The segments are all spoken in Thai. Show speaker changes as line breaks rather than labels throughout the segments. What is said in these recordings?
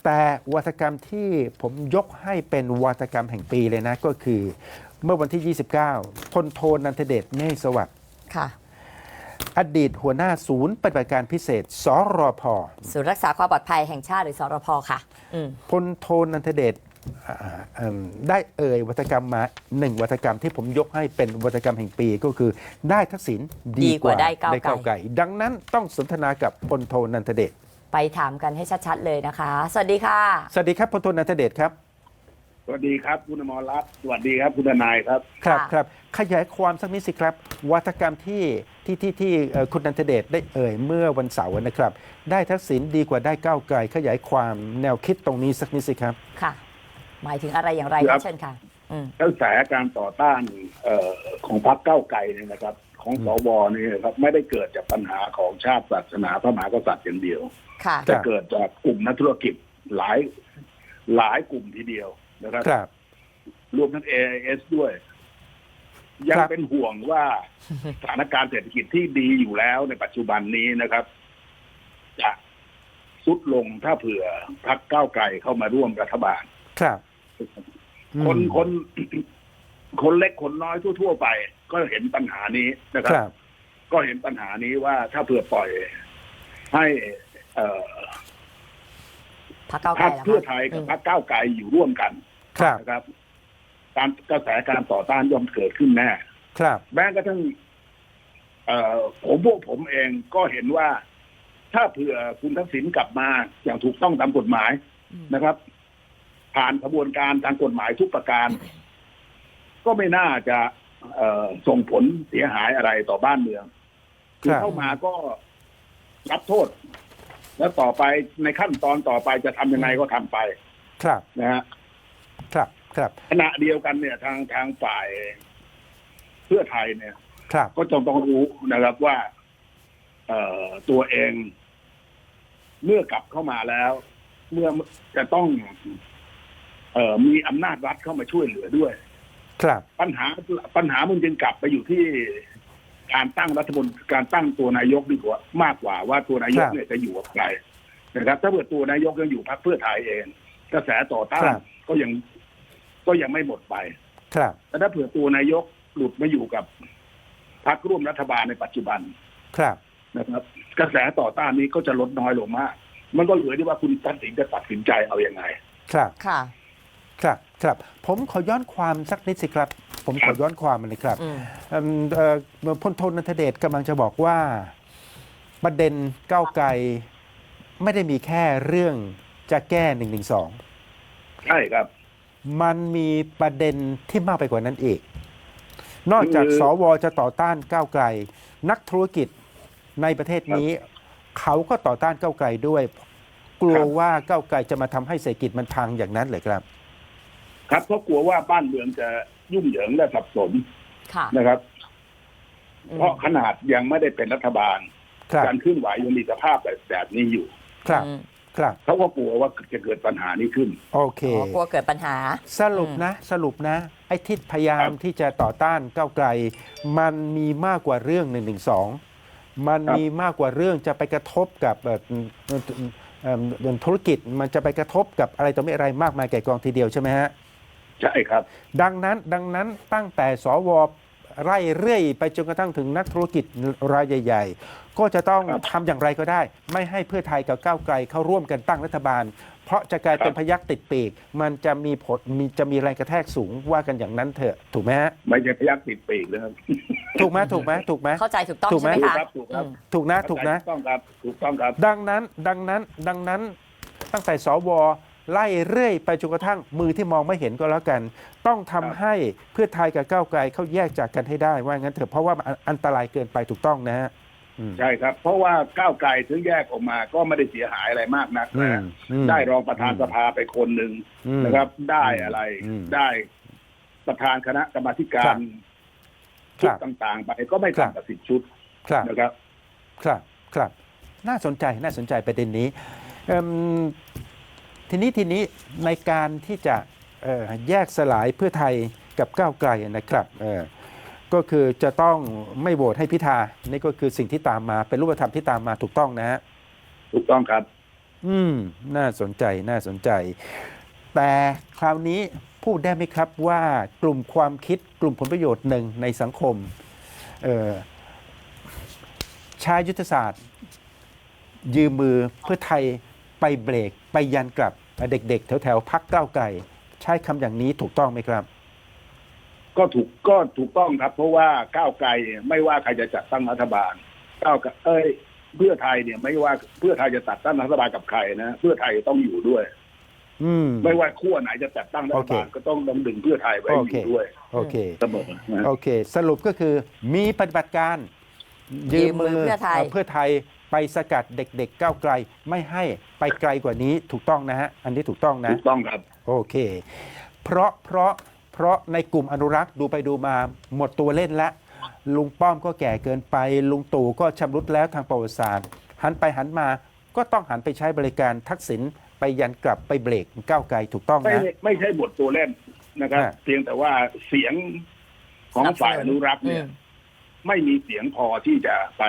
แต่วาทกรรมที่ผมยกให้เป็นวาทกรรมแห่งปีเลยนะก็คือเมื่อวันที่ 29 พลโทนันทเดช เมฆสวัสดิ์
ค่ะ
อดีตหัวหน้าศูนย์ปฏิบัติการพิเศษสรพ
ศูนย์รักษาความปลอดภัยแห่งชาติหรือสรพค่ะ
พลโทนันทเดชได้เอ่ยวาทกรรมมาหนึ่งวาทกรรมที่ผมยกให้เป็นวาทกรรมแห่งปีก็คือได้ทักษิณดีกว่าได้ก้าวไกลดังนั้นต้องสนทนากับพลโทนันทเดช
ไปถามกันให้ชัดๆเลยนะคะสวัสดีค่ะ
สวัสดีครับพลโทนันทเดชครับ
สวัสดีครับคุณอมรรัตน์สวัสดีครับคุณทนายครับ
ครับขยายความสักนิดสิครับวาทกรรมที่คุณนันทเดชได้เอ่ยเมื่อวันเสาร์นะครับได้ทักษิณดีกว่าได้ก้าวไกลขยายความแนวคิดตรงนี้สักนิดสิครับ
ค่ะหมายถึงอะไรอย่างไรเชิญค่ะ
กระแสการต่อต้านของพรรคก้าวไกลเนี่ยนะครับของสวนี่ครับไม่ได้เกิดจากปัญหาของชาติศาสนาพระมหากษัตริย์อย่างเดียวจะเกิดจากกลุ่มนักธุรกิจหลายกลุ่มทีเดียวนะครับรวมทั้ง AIS ด้วยยังเป็นห่วงว่าสถานการณ์เศรษฐกิจที่ดีอยู่แล้วในปัจจุบันนี้นะครับจะทรุดลงถ้าเผื่อพรรคก้าวไกลเข้ามาร่วมรัฐบาล
ครับ
คนเล็กคนน้อยทั่วไปก็เห็นปัญหานี้นะครับก็เห็นปัญหานี้ว่าถ้าเผื่อปล่อยให้
พรรค
เพื่อไทยกับพรรคก้าวไกลอยู่ร่วมกันนะครับการกระแสการต่อต้านย่อมเกิดขึ้นแน่แม้กระทั่งพวกผมเองก็เห็นว่าถ้าเผื่อคุณทักษิณกลับมาอย่างถูกต้องตามกฎหมายนะครับผ่านกระบวนการทางกฎหมายทุกประการก็ไม่น่าจะส่งผลเสียหายอะไรต่อบ้านเมืองคือเข้ามาก็รับโทษแล้วต่อไปในขั้นตอนต่อไปจะทำยังไงก็ทำไปนะฮะขณะเดียวกันเนี่ยทางฝ่ายเพื่อไทยเนี่ยก็ต้องรู้นะครับว่าตัวเองเมื่อกลับเข้ามาแล้วเมื่อจะต้องมีอำนาจรัฐเข้ามาช่วยเหลือด้วยปัญหามันจึงกลับไปอยู่ที่การตั้งรัฐมนตรีการตั้งตัวนายกดีกว่ามากกว่าว่าตัวนายกเนี่ยจะอยู่กับใครนะครับถ้าเกิดตัวนายกยังอยู่พรรคเพื่อไทยเองกระแสต่อต้านก็ยังไม่หมดไปแต่ถ้าเผื่อตัวนายกหลุดมาอยู่กับพรรคร่วมรัฐบาลในปัจจุบันนะครับกระแสต่อต้านนี้ก็จะลดน้อยลงมากมันก็เหลือที่ว่าคุณทักษิณจะตัดสินใจเอาอย่างไง
ครับผมขอย้อนความสักนิดสิครับผมขอย้อนความมันเลยครับพลโทนันทเดชกำลังจะบอกว่าประเด็นก้าวไกลไม่ได้มีแค่เรื่องจะแก้112
ใช่ครับ
มันมีประเด็นที่มากไปกว่านั้นอีกนอกจากสวจะต่อต้านก้าวไกลนักธุรกิจในประเทศนี้เขาก็ต่อต้านก้าวไกลด้วยกลัวว่าก้าวไกลจะมาทำให้เศรษฐกิจมันพังอย่างนั้นเลยครับ
ครับเพราะกลัวว่าบ้านเมืองจะยุ่งเหยิงและสับสนนะครับเพราะขนาดยังไม่ได้เป็นรัฐบาลการเคลื่อนไหวยังมีสภาพแบบนี้อยู่เขาก็กลัวว่าจะเกิดปัญหานี้ขึ้น
โอเค
กลัวเกิดปัญหา
สรุปนะไอ้ที่พยายามที่จะต่อต้านก้าวไกลมันมีมากกว่าเรื่อง112มันมีมากกว่าเรื่องจะไปกระทบกับธุรกิจมันจะไปกระทบกับอะไรต่อไม่อะไรมากมายแก่กองทีเดียวใช่ไหมฮะ
ใช่ครับ
ดังนั้นตั้งแต่สวไล่เรื่อยไปจนกระทั่งถึงนักธุรกิจรายใหญ่ๆก็จะต้องทำอย่างไรก็ได้ไม่ให้เพื่อไทยกับก้าวไกลเข้าร่วมกันตั้งรัฐบาลเพราะจะกลายเป็นพยัคฆ์ติดปีกมันจะมีผลจะมีแรงกระแทกสูงว่ากันอย่างนั้นเถอะถูกไหมฮะ
ไม่ใช่พยัคฆ์ติดปีกเลยครับ
ถูกไหม
เข้าใจถูกต้องใช่ไหมคะ
ถูกนะ
ถูกต้องครับ
ดังนั้นตั้งแต่สวไล่เรื่อยไปจนกระทั่งมือที่มองไม่เห็นก็แล้วกันต้องทำให้เพื่อไทยกับก้าวไกลเขาแยกจากกันให้ได้ว่างั้นเถอะเพราะว่าอันตรายเกินไปถูกต้องนะฮะ
ใช่ครับเพราะว่าก้าวไกลถึงแยกออกมาก็ไม่ได้เสียหายอะไรมากนักนะได้รองประธานสภาไปคนหนึ่งนะครับได้อะไรได้ประธานคณะกรรมาธิการชุดต่างๆไปก็ไม่ต่ำกว่า10 ชุดนะครับ
ครับน่าสนใจประเด็นนี้ทีนี้ในการที่จะแยกสลายเพื่อไทยกับก้าวไกลนะครับก็คือจะต้องไม่โหวตให้พิธานี่ก็คือสิ่งที่ตามมาเป็นรูปธรรมที่ตามมาถูกต้องนะฮะ
ถูกต้องครับ
น่าสนใจน่าสนใจ แต่คราวนี้พูดได้ไหมครับว่ากลุ่มความคิดกลุ่มผลประโยชน์หนึ่งในสังคมใช้ยุทธศาสตร์ ยืมมือเพื่อไทยไปเบรกไปยันกลับเด็กๆแถวๆพรรคก้าวไกลใช้คำอย่างนี้ถูกต้องไหมครับ
ก็ถูกต้องครับ เพราะว่าก้าวไกลไม่ว่าใครจะจัดตั้งรัฐบาลก้าวไกลเพื่อไทยเนี่ยไม่ว่าเพื่อไทยจะจัดตั้งรัฐบาลกับใครนะเพื่อไทยต้องอยู่ด้วยไม่ว่าขั้วไหนจะจัดตั้งรัฐบาลก็ต้องดึงเพื่อไทยไว้อยู่ด้วย
โอเค
เสมอ
โอเคสรุปก็คือมีปฏิบัติการยืมมือเพื่อไทยไปสกัดเด็กๆก้าวไกลไม่ให้ไปไกลกว่านี้ถูกต้องนะฮะอันนี้ถูกต้องนะ
ถูกต้องครับ
โอเคเพราะในกลุ่มอนุรักษ์ดูไปดูมาหมดตัวเล่นแล้วลุงป้อมก็แก่เกินไปลุงตู่ก็ชำรุดแล้วทางประวัติศาสตร์หันไปหันมาก็ต้องหันไปใช้บริการทักษิณไปยันกลับไปเบรกก้าวไกลถูกต้องนะ
ไม่ใช่หมดตัวเล่นนะครับเพียงแต่ว่าเสียงของฝ่ายอนุรักษ์เนี่ยไม่มีเสียงพอที่จะไป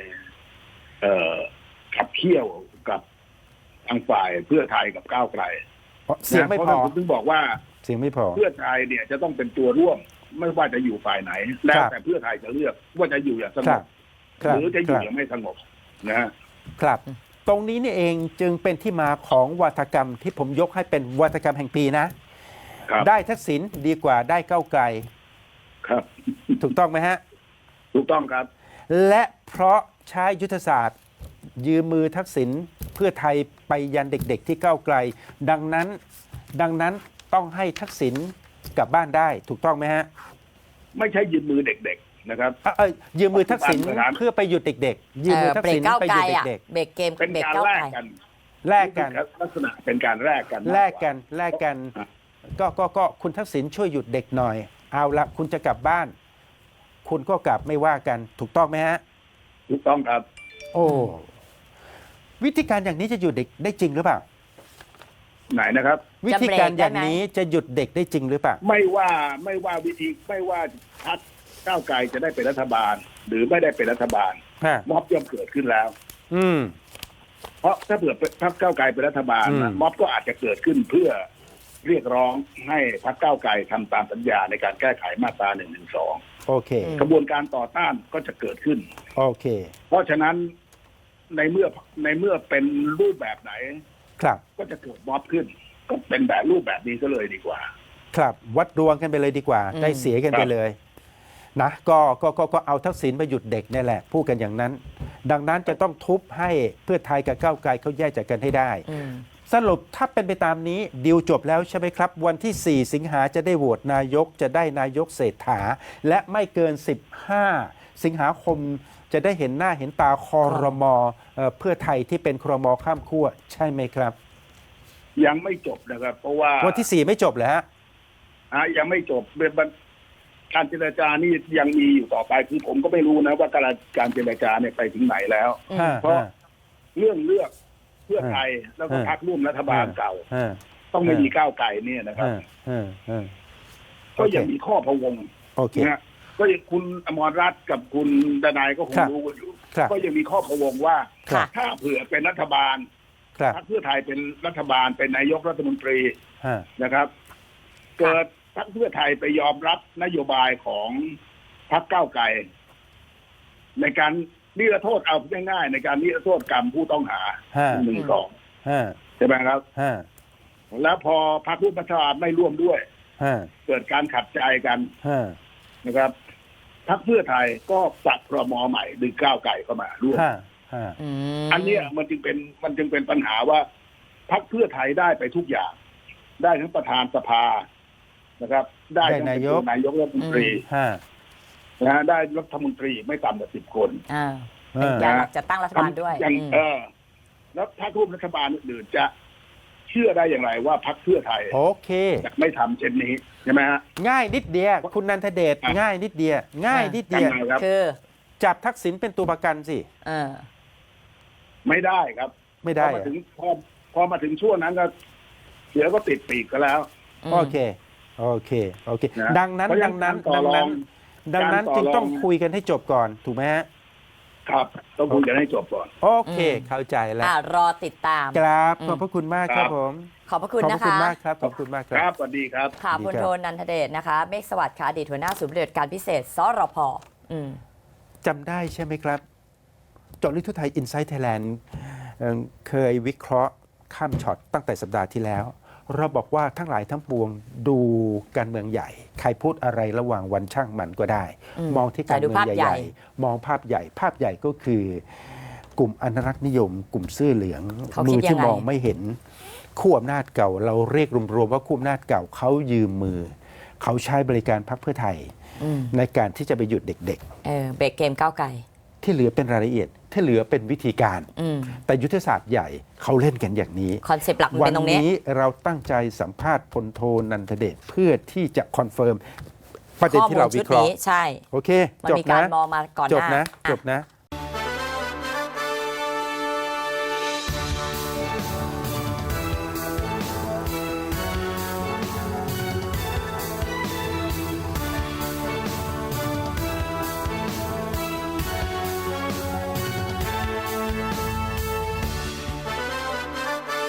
ขับเคี่ยวกับทางฝ่ายเพื่อไทยกับก้าวไกล
เสียงไม่พอ
ผมถึงบอกว่า
เสียงไม่พอ
เพื่อไทยเนี่ยจะต้องเป็นตัวร่วมไม่ว่าจะอยู่ฝ่ายไหนแล้วแต่เพื่อไทยจะเลือกว่าจะอยู่อย่างสงบหรือจะอยู่อย่างไม่สงบ
นะครับตรงนี้นี่เองจึงเป็นที่มาของวาทกรรมที่ผมยกให้เป็นวาทกรรมแห่งปีนะได้ทักษิณดีกว่าได้ก้าวไกล
ครับ
ถูกต้องไหมฮะ
ถูกต้องครับ
และเพราะใช้ยุทธศาสตร์ยืมมือทักษิณเพื่อไทยไปยันเด็กๆที่ก้าวไกลดังนั้นต้องให้ทักษิณกลับบ้านได้ถูกต้องไหมฮะ
ไม่ใช่ยืมมือเด็กๆนะครับ
ยืมมือทักษิณเพื่อไปหยุดเด็กๆยืมมือทักษิณไปหยุดเด็ก
ๆเบรกเกม
เป็นการแลกกันลักษณะเป็นการแลก
กันก็คุณทักษิณช่วยหยุดเด็กหน่อยเอาละคุณจะกลับบ้านคุณก็กลับไม่ว่ากันถูกต้องไหมฮะ
ถูกต้องครับ
โอ้วิธีการอย่างนี้จะหยุดเด็กได้จริงหรือเปล่า
ไหนนะครับ
วิธีการอย่างนี้จะหยุดเด็กได้จริงหรือเปล่า
ไม่ว่าวิธีไม่ว่าพรรคก้าวไกลจะได้เป็นรัฐบาลหรือไม่ได้เป็นรัฐบาลม็อบย่อมเกิดขึ้นแล้วเพราะถ้าเผื่อพรรคก้าวไกลเป็นรัฐบาลม็อบก็อาจจะเกิดขึ้นเพื่อเรียกร้องให้พรรคก้าวไกลทำตามสัญญาในการแก้ไขมาตรา112
โอเค
กระบวนการต่อต้านก็จะเกิดขึ้น
โอเค
เพราะฉะนั้นในเมื่อเป็นรูปแบบไหน
ครับ
ก็จะเกิดม็อบขึ้นก็เป็นแบบรูปแบบนี้ก็เลยดีกว่า
ครับวัดดวงกันไปเลยดีกว่าได้เสียกันไปเลยนะก็เอาทักษิณไปหยุดเด็กนี่แหละพูดกันอย่างนั้นดังนั้นจะต้องทุบให้เพื่อไทยกับก้าวไกลเขาแยกจากกันให้ได้สรุปถ้าเป็นไปตามนี้ดีลจบแล้วใช่ไหมครับวันที่4สิงหาจะได้โหวตนายกจะได้นายกเศรษฐาและไม่เกิน15สิงหาคมจะได้เห็นหน้าเห็นตาครม.เพื่อไทยที่เป็นครม.ข้ามขั้วใช่ไหมครับ
ยังไม่จบนะครับเพราะว่า
วันที่4ไม่จบเหรอฮะ
ยังไม่จบการเจรจานี่ยังมีอยู่ต่อไปคือผมก็ไม่รู้นะว่าการเจรจาเนี่ยไปถึงไหนแล้วเพราะเรื่องเลือกเพื่อไทยแล้วก็พรรคร่วมรัฐบาลเก่าต้องไม่มีก้าวไกลเนี่ยนะครับก็ยังมีข้อพะวงนะก็ยังคุณอมรรัตน์กับคุณดนายก็คงรู้กันอยู่ก็ยังมีข้อพะวงว่าถ้าเผื่อเป็นรัฐบาลพรรคเพื่อไทยเป็นรัฐบาลเป็นนายกรัฐมนตรีนะครับเกิดพรรคเพื่อไทยไปยอมรับนโยบายของพรรคก้าวไกลในการนิรโทษเอาง่ายๆในการนิรโทษกรรมผู้ต้องหา1-2ใช่ไหมครับแล้วพอพรรคร่วมรัฐบาลไม่ร่วมด้วยเกิดการขัดใจกันนะครับพรรคเพื่อไทยก็ปรับครม.ใหม่ดึงก้าวไกลเข้ามาร่วมอันนี้มันจึงเป็นปัญหาว่าพรรคเพื่อไทยได้ไปทุกอย่างได้ทั้งประธานสภานะครับได้ทั้งนายกรัฐมนตรีนะได้รัฐมนตรีไม่ต่ำกว่า10 คน
เป็นการจะตั้งรัฐบาลด้วย
แล้วพรรคร่วมรัฐบาลอื่นจะเชื่อได้อย่างไรว่าพรรคเพื่อไทยจะไม่ทำเช่นนี้ใช่ไหมฮะ
ง่ายนิดเดียวคุณนันทเดชง่ายนิดเดียว
คือ
จับทักษิณเป็นตัวประกันสิ
ไม่ได้ครับ
ไม่ได้
พอมาถึงช่วงนั้นก็เสือก็ติดปีกก็แล้ว
โอเคดังนั้นจึงต้องคุยกันให้จบก่อนถูกไหมฮะ
ครับต้องคุยกันให้จบก่อน
โอเค เข้าใจแล้ว
รอติดตาม
ครับขอบพระคุณมากครับผม
ขอบพระคุณ
ขอบ
นะ
พระคุณ
คะ
มากครับขอบคุณมากค
ค
รั
รับ บสวัสดีครับ
ค่ะ
ดี
พล
ครับ
โทนันทเดชนะคะ เมฆสวัสดิ์ค่ะอดีตหัวหน้าศูนย์ปฏิบัติการพิเศษสรพ
จำได้ใช่ไหมครับเจาะลึกทั่วไทย Inside Thailand เคยวิเคราะห์ข้ามช็อตตั้งแต่สัปดาห์ที่แล้ว เราบอกว่าทั้งหลายทั้งปวงดูการเมืองใหญ่ ใครพูดอะไรระหว่างวันช่างมันก็ได้ มองที่การเมืองใหญ่ๆ มองภาพใหญ่ ภาพใหญ่ก็คือกลุ่มอนุรักษ์นิยม กลุ่มเสื้อเหลือง
เขา
มื
คิด
ที่
ยังไง
มองไม่เห็นขั้วอำนาจเก่า เราเรียกรวมๆว่าขั้วอำนาจเก่าเขายืมมือ เขาใช้บริการพรรคเพื่อไทย ในการที่จะไปหยุดเด็ก
เบรกเกมก้าวไกล
ๆ ที่เหลือเป็นรายละเอียด ที่เหลือเป็นวิธีการ แต่ยุทธศาสตร์ใหญ่เขาเล่นกันอย่างนี้
คอนเซปต์หลักมัน
วั
เป็นตรงนี้
นี้เราตั้งใจสัมภาษณ์พลโทนันทเดชเพื่อที่จะคอนเฟิร์มประเด็น
ข้อ
ที่
มูล
เรา
ชุ
วิ
ด
เคราะห์
นี้ใช่
โอเค
มัน
จบ
มีการ
นะ
มองมาก่อนห
จบ
น้า
นะ
อ่ะ
จบนะ